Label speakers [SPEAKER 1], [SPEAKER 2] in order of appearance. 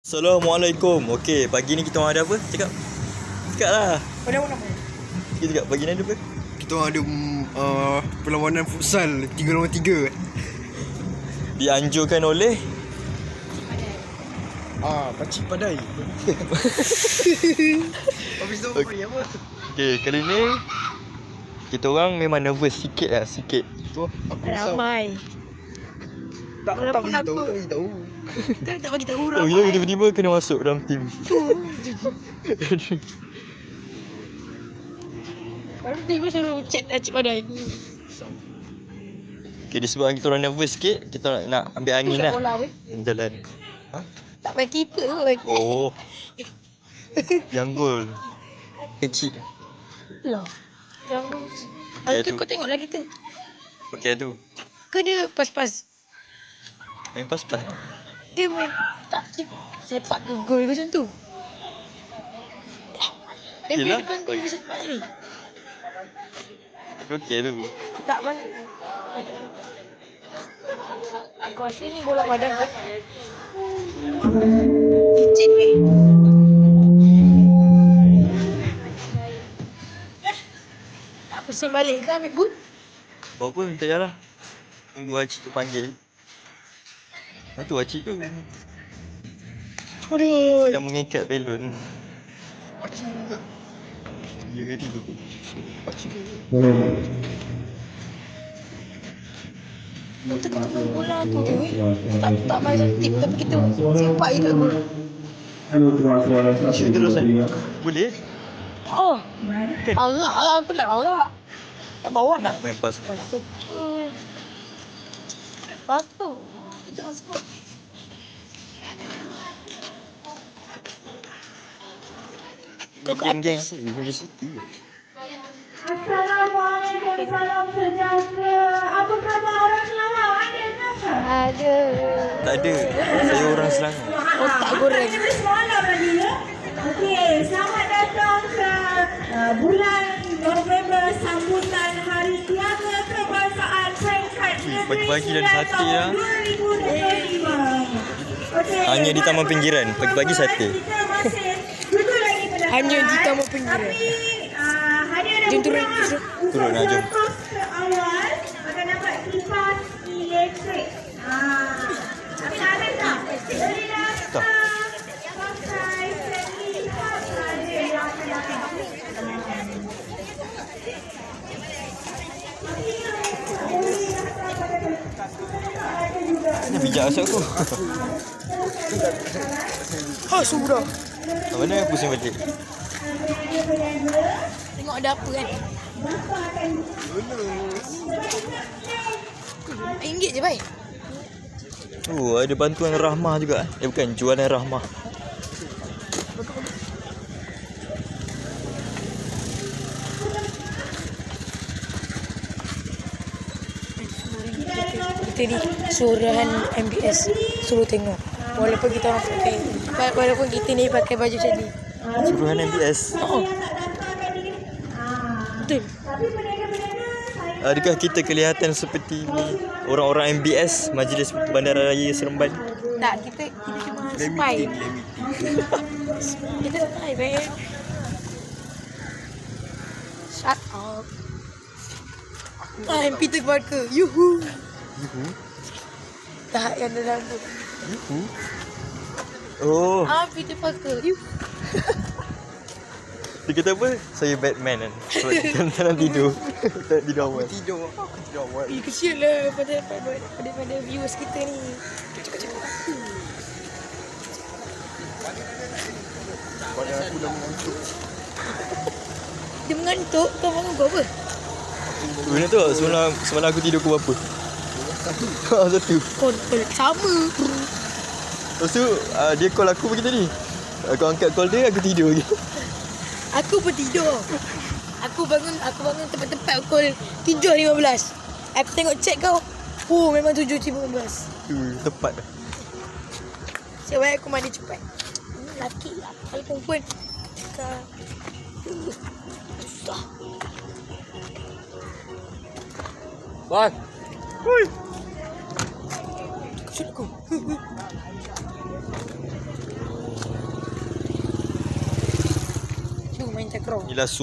[SPEAKER 1] Assalamualaikum. Okey, pagi ni kita orang ada apa? Cakap lah.
[SPEAKER 2] Pada mana?
[SPEAKER 1] Kita cakap pagi ni ada apa?
[SPEAKER 3] Kita orang ada perlawanan futsal 3 lawan 3.
[SPEAKER 1] Dianjurkan oleh
[SPEAKER 3] Pakcik Padai. Habis tu apa?
[SPEAKER 1] Okey, kali ni kita orang memang nervous sikit lah, sikit.
[SPEAKER 3] Tu aku risau.
[SPEAKER 2] Ramai.
[SPEAKER 3] Tak bagi tahu.
[SPEAKER 2] Tak bagi tahu
[SPEAKER 1] Oh,
[SPEAKER 2] ramai.
[SPEAKER 1] kita tiba-tiba kena masuk dalam team.
[SPEAKER 2] Baru tiba suruh chat Cik Padai.
[SPEAKER 1] Okey, disebabkan kita orang nervous sikit, kita nak ambil angin lah.
[SPEAKER 2] Bola weh.
[SPEAKER 1] Jalan.
[SPEAKER 2] Tak main keeper tu lagi.
[SPEAKER 1] Oh. Yang gol. Kecil.
[SPEAKER 2] Lah. Yang
[SPEAKER 1] Okay,
[SPEAKER 2] tu
[SPEAKER 1] tu.
[SPEAKER 2] kau tengok lah kita.
[SPEAKER 1] Okey tu.
[SPEAKER 2] Ke dia pas-pas.
[SPEAKER 1] Main pas-pas.
[SPEAKER 2] Dia main tak sepak ke gol macam tu. Dia main
[SPEAKER 1] Yelah.
[SPEAKER 2] depan gol dia sepak ni.
[SPEAKER 1] Okey tu.
[SPEAKER 2] Tak main. Aku rasa ni bola padang kan. Licin weh. Tak pusing balik ke ambil boot?
[SPEAKER 1] Bawa apa minta jalan. Tunggu Acik tu panggil. Tu Acik tu
[SPEAKER 2] Aduh.
[SPEAKER 1] yang mengikat belon.
[SPEAKER 3] Pakcik juga.
[SPEAKER 1] Ya ke tu?
[SPEAKER 3] Pakcik juga.
[SPEAKER 2] Kita kena main bola tu je weh. Tak main satu tip tapi kita sepak je kat gol.
[SPEAKER 1] Acik terus kan? Boleh?
[SPEAKER 2] Oh. Allah aku tak Allah. Tak bawa nak.
[SPEAKER 1] Main pas.
[SPEAKER 2] Batu. Kita masuk.
[SPEAKER 1] Geng-geng.
[SPEAKER 4] Assalamualaikum, salam sejahtera. Apa khabar orang Selangor? Ada ke?
[SPEAKER 2] Ada.
[SPEAKER 1] Tak ada. Saya orang Selangor.
[SPEAKER 2] Otak goreng.
[SPEAKER 4] Kita semalam lagi ya. Okey, selamat datang ke bulan November sambutan Hari Tiaga Kebangsaan Peringkat Negeri
[SPEAKER 1] pagi-pagi dah ada
[SPEAKER 4] Sembilan
[SPEAKER 1] sate lah.
[SPEAKER 4] tahun 2025. Okey.
[SPEAKER 1] Hanya di Taman Pinggiran. Pagi-pagi sate.
[SPEAKER 4] Kita masih duduk lagi pada
[SPEAKER 2] Hanya di
[SPEAKER 4] kawan.
[SPEAKER 2] Taman Pinggiran.
[SPEAKER 4] Tapi hari ada
[SPEAKER 2] Jom turun,
[SPEAKER 4] beberapa
[SPEAKER 2] jom.
[SPEAKER 1] Turun lah, jom.
[SPEAKER 4] kos ke awal akan dapat kipas elektrik. Tapi ada tak? Boleh
[SPEAKER 1] Tak.
[SPEAKER 4] pakai kipas ada yang akan dapat.
[SPEAKER 1] Ni bijak asal aku.
[SPEAKER 2] Sudah.
[SPEAKER 1] Mana yang pusing balik?
[SPEAKER 2] Tengok ada apa kan. RM1 je baik.
[SPEAKER 1] Ada bantuan Rahmah juga. Bukan, jualan Rahmah.
[SPEAKER 2] Kita ni suruhan MBS suruh tengok. Walaupun kita orang pakai, walaupun kita ni pakai baju macam ni.
[SPEAKER 1] Suruhan MBS.
[SPEAKER 2] Betul.
[SPEAKER 1] Adakah kita kelihatan seperti orang-orang MBS, Majlis Bandaraya Seremban?
[SPEAKER 2] Tak, kita cuma spy. Kita spy, man. Shut up. I'm Peter Parker. Yuhu. Tak, yang dalam tu.
[SPEAKER 1] Oh,
[SPEAKER 2] Peter Parker. Yuhu.
[SPEAKER 1] dia kata apa? Saya Batman kan. Sebab kita nak tidur. Tak tidur awal.
[SPEAKER 3] Tidur awal.
[SPEAKER 2] Kesian lah pada viewers kita ni.
[SPEAKER 3] Badan aku dah mengantuk.
[SPEAKER 2] Dia mengantuk. Kau bangun kau apa?
[SPEAKER 1] Benda tu semalam aku tidur pukul berapa? Satu.
[SPEAKER 2] Kau sama.
[SPEAKER 1] Lepas tu dia call aku begitu ni. Aku angkat call dia, aku tidur lagi.
[SPEAKER 2] Aku pun tidur. Aku bangun tepat-tepat pukul 7.15. Aku tengok chat kau. Oh, memang 7.15.
[SPEAKER 1] Tepat.
[SPEAKER 2] Sebab aku mandi cepat. Laki lah. Kalau perempuan susah.
[SPEAKER 1] Bang. Hui.
[SPEAKER 2] Kau aku. main takraw.
[SPEAKER 1] Yelah